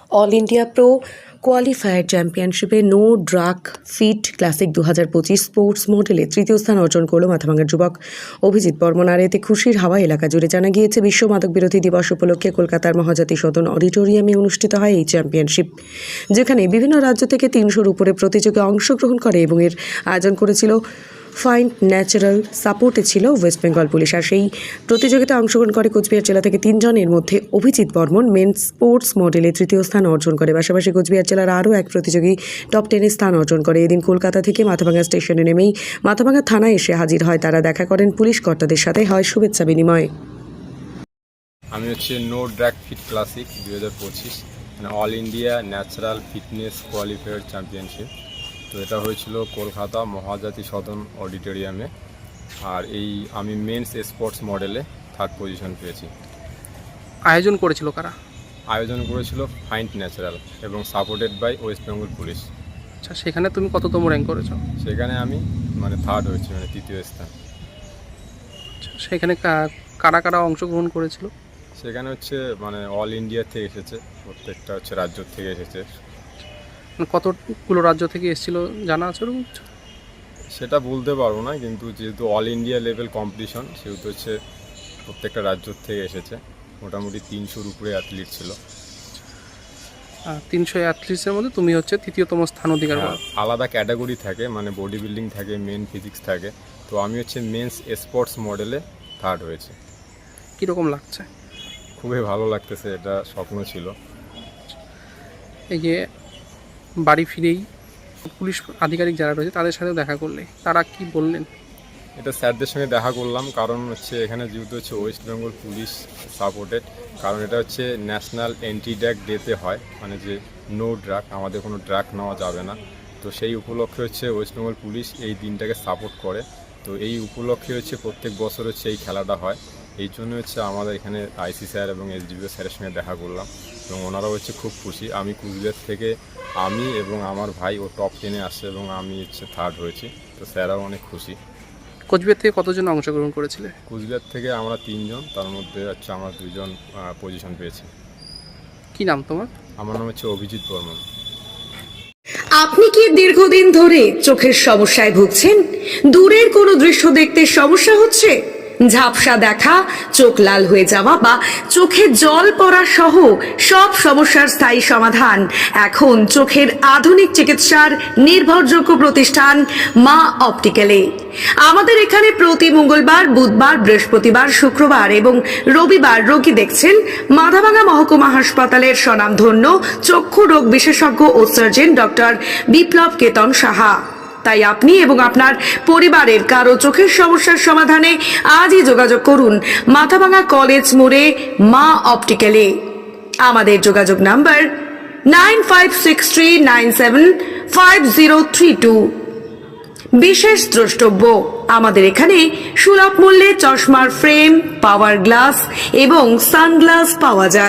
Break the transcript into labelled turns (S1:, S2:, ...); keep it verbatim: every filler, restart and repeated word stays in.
S1: All India pro qualifier চ্যাম্পিয়নশিপে no drug fit classic দু হাজার পঁচিশ স্পোর্টস মডেলে তৃতীয় স্থান অর্জন করল মাথাভাঙার যুবক অভিজিৎ বর্মন। আর এতে খুশির হাওয়া এলাকা জুড়ে। জানা গিয়েছে, বিশ্ব মাদক বিরোধী দিবস উপলক্ষে কলকাতার মহাজাতি সদন অডিটোরিয়ামে অনুষ্ঠিত হয় এই চ্যাম্পিয়নশিপ, যেখানে বিভিন্ন রাজ্য থেকে তিনশোর উপরে প্রতিযোগী অংশগ্রহণ করে এবং এর আয়োজন করেছিল ফাইন্ড ন্যাচারাল। সাপোর্টে ছিল ওয়েস্ট বেঙ্গল পুলিশ। আর সেই প্রতিযোগিতায় অংশগ্রহণ করে কোচবিহার জেলা থেকে তিনজনের মধ্যে অভিজিৎ বর্মন মেন স্পোর্টস মডেলে তৃতীয় স্থান অর্জন করে। পাশাপাশি কোচবিহার জেলার আরও এক প্রতিযোগী টপ টেনে স্থান অর্জন করে। এদিন কলকাতা থেকে মাথাভাঙা স্টেশনে নেমেই মাথাভাঙা থানায় এসে হাজির হয় তারা। দেখা করেন পুলিশ কর্তাদের সাথে, হয় শুভেচ্ছা বিনিময়।
S2: আমি হচ্ছে নো ড্রাগ ফিট ক্লাসিক দুই হাজার পঁচিশ মানে all India natural fitness qualifier championship. তো এটা হয়েছিল কলকাতা মহাজাতি সদন অডিটোরিয়ামে। আর এই আমি মেন্স স্পোর্টস মডেলে থার্ড পজিশন পেয়েছি।
S3: আয়োজন করেছিল কারা?
S2: আয়োজন করেছিল ফাইন্ড ন্যাচারাল এবং supported by West Bengal police.
S3: আচ্ছা, সেখানে তুমি কততম র্যাঙ্ক করেছো?
S2: সেখানে আমি মানে থার্ড হয়েছি, মানে তৃতীয় স্থান।
S3: আচ্ছা, সেখানে কা- কারা কারা অংশগ্রহণ করেছিল?
S2: সেখানে হচ্ছে মানে অল ইন্ডিয়া থেকে এসেছে, প্রত্যেকটা হচ্ছে রাজ্য থেকে এসেছে।
S3: মানে কতগুলো রাজ্য থেকে এসেছিল জানা আছে ওরকম কিছু?
S2: সেটা বলতে পারবো না, কিন্তু যেহেতু অল ইন্ডিয়া লেভেল কম্পিটিশন সেহেতু হচ্ছে প্রত্যেকটা রাজ্য থেকে এসেছে। মোটামুটি তিনশোর উপরে অ্যাথলিট ছিল।
S3: তিনশো অ্যাথলিটসের মধ্যে তুমি হচ্ছে তৃতীয়তম স্থান অধিকার করো।
S2: হ্যাঁ, আলাদা ক্যাটাগরি থাকে, মানে বডি বিল্ডিং থাকে, মেন ফিজিক্স থাকে। তো আমি হচ্ছে মেন্স স্পোর্টস মডেলে থার্ড হয়েছে।
S3: কীরকম লাগছে?
S2: খুবই ভালো লাগতেছে, এটা স্বপ্ন ছিল।
S3: এই যে বাড়ি ফিরেই পুলিশ আধিকারিক যারা রয়েছে তাদের সাথে দেখা করলে তারা কি বললেন?
S2: এটা স্যারদের সঙ্গে দেখা করলাম, কারণ হচ্ছে এখানে যেহেতু হচ্ছে ওয়েস্ট বেঙ্গল পুলিশ সাপোর্টেড, কারণ এটা হচ্ছে ন্যাশনাল অ্যান্টি ড্রাগ ডেতে হয়, মানে যে নো ড্রাগ, আমাদের কোনো ড্রাগ নেওয়া যাবে না। তো সেই উপলক্ষে হচ্ছে ওয়েস্ট বেঙ্গল পুলিশ এই দিনটাকে সাপোর্ট করে। তো এই উপলক্ষে হচ্ছে প্রত্যেক বছর হচ্ছে এই খেলাটা হয়। এই জন্য হচ্ছে আমাদের এখানে আইসি স্যার এবং এসডিপিও স্যারের সঙ্গে দেখা করলাম এবং ওনারাও হচ্ছে খুব খুশি। আমি কুচবিহার থেকে আমি এবং আমার ভাই ও টপ টেনে আসছে এবং আমি হচ্ছে থার্ড হয়েছি। তো স্যারাও অনেক খুশি।
S3: কোচবিহার থেকে কতজন অংশগ্রহণ করেছিলে?
S2: কুচবিহার থেকে আমরা তিনজন, তার মধ্যে হচ্ছে আমরা দুইজন পজিশন পেয়েছি।
S3: কি নাম তোমার?
S2: আমার নাম হচ্ছে অভিজিৎ বর্মন।
S1: আপনি কি দীর্ঘদিন ধরে চোখের সমস্যায় ভুগছেন? দূরের কোনো দৃশ্য দেখতে সমস্যা হচ্ছে? ঝাপসা দেখা, চোখ লাল হয়ে যাওয়া বা চোখে জল পড়া সহ সব সমস্যার স্থায়ী সমাধান এখন চোখের আধুনিক চিকিৎসার নির্ভরযোগ্য প্রতিষ্ঠান মা অপটিক্যালে। আমাদের এখানে প্রতি মঙ্গলবার, বুধবার, বৃহস্পতিবার, শুক্রবার এবং রবিবার রোগী দেখছেন মাথাভাঙা মহকুমা হাসপাতালের স্বনামধন্য চক্ষু রোগ বিশেষজ্ঞ ও সার্জন ডক্টর বিপ্লব কেতন সাহা। তাই আপনি এবং আপনার পরিবারের কারো চোখের সমস্যার সমাধানে আজই যোগাযোগ করুন মাথাভাঙা কলেজ মোড়ে মা অপটিক্যালে। আমাদের যোগাযোগ number nine five six three nine seven five zero three two. বিশেষ দ্রষ্টব্য, আমাদের এখানে সুলভ মূল্যে চশমার ফ্রেম, পাওয়ার গ্লাস এবং সানগ্লাস পাওয়া যায়।